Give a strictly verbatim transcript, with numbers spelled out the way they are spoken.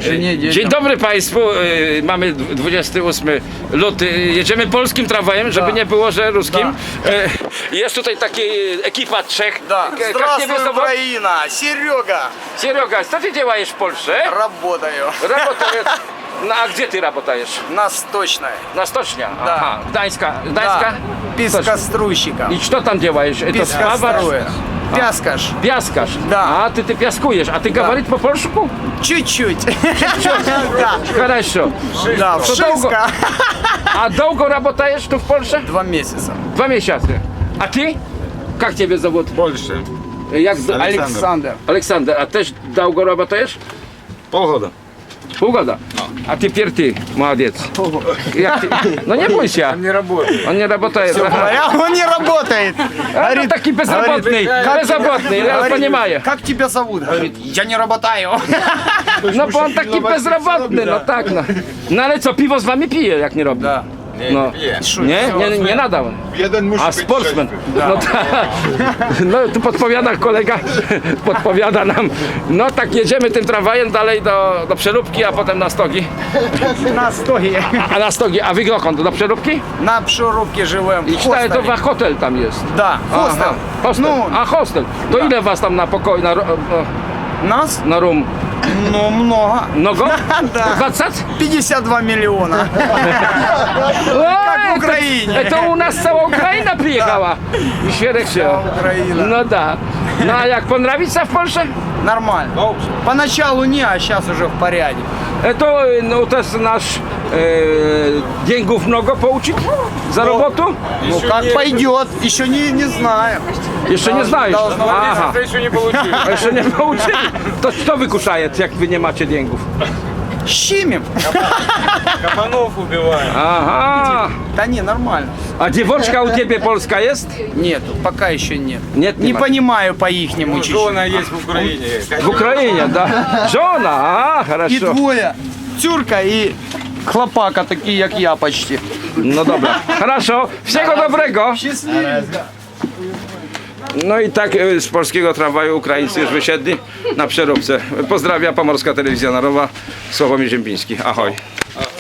żenie, dzieciom. Dzień dobry Państwu, y, mamy dwudziestego ósmego lutego, jedziemy polskim tramwajem, żeby Da. nie było, że ruskim. Y, Jest tutaj taki ekipa trzech. Да. K- jak Здравствуй, ciebie zową- Украина! Серега! Серега, co ty działaешь w Polsce? Работаю Работаешь. No a gdzie ty работаешь? на сточной. Na stocznia. Da. Aha, Gdańska. Gdańska? Да. Пескоструйщиком. I co tam działаешь? To Пескоструя. Пяскаш. Piaskarz. Da. A ty ty piaskujesz, a ty говорит po polsku? Чуть-чуть. Да. Хорошо. Да, To вшиска. długo. A długo работаешь tu w Polsce? Два месяца. Dwa miesiące. A ty? Jak ciebie zawód? Больше. Jak Aleksander. Александр. Aleksander, a też długo работаешь? Полгода. Półgoda. A ty pierty, молодец. Jak ty? No nie bój się. Не работает. On nie работает. Aha. А он не работает. A, no taki bezrobotny. Bezrobotny, ja Говорит, понимаю. как тебя зовут? Говорит, я не работаю. No bo on taki bezrobotny, no tak no. No ale co, piwo z wami pije, jak nie robi? Да. No. Nie, nie, nie nadał. Jeden musi A być sportsmen. trzeźwy. No tak. No tu podpowiada kolega, podpowiada nam. No tak jedziemy tym tramwajem dalej do, do Przeróbki, a potem na Stogi. На стоге. A, a na Stogi, a wy dokąd? Do Przeróbki? На Пшурубке живем. I В czytałem, to хостеле. wa- hotel tam jest. Да, хостел. Aha, hostel. Ну, A hostel. To ile was tam na pokoju, na, ro- нас? na room? Ну, много. Mnogo? Да. dwadzieścia? пятьдесят два миллиона. Oj, w Ukrainie. To, to u nas cała Ukraina przyjechała. I świerek się. Cała Ukraina. No da. No a jak понравится w Polsce? Нормально. Поначалу не, а сейчас уже в порядке. E, To no, to jest nasz e, dzięgów mnogo pouczyć za robotu? Ну, как пойдет, еще не, не знаю. Jeszcze nie znajesz. должно być. Aha, Еще не получили. a jeszcze nie pouczyli. To kto wykuszaje, jak wy nie macie dzięgów? Щимим. Кабанов убиваем. Aha. Да не, нормально. A dziewoczka u ciebie polska jest? Нету, пока еще нет. Нет, не нема. понимаю по-ихнему чуть-чуть. Жена есть в Украине. W Ukrainie, da. Żona, a, И хорошо. двое. Тюрка и хлопака, такие, как я почти. No dobra, хорошо. Wszystkiego dobrego. Счастливо. No i tak e, z polskiego tramwaju Ukraińcy już wysiedli na Przeróbce. Pozdrawia Pomorska Telewizja Narodowa, Sławomir Ziembiński. Ahoj.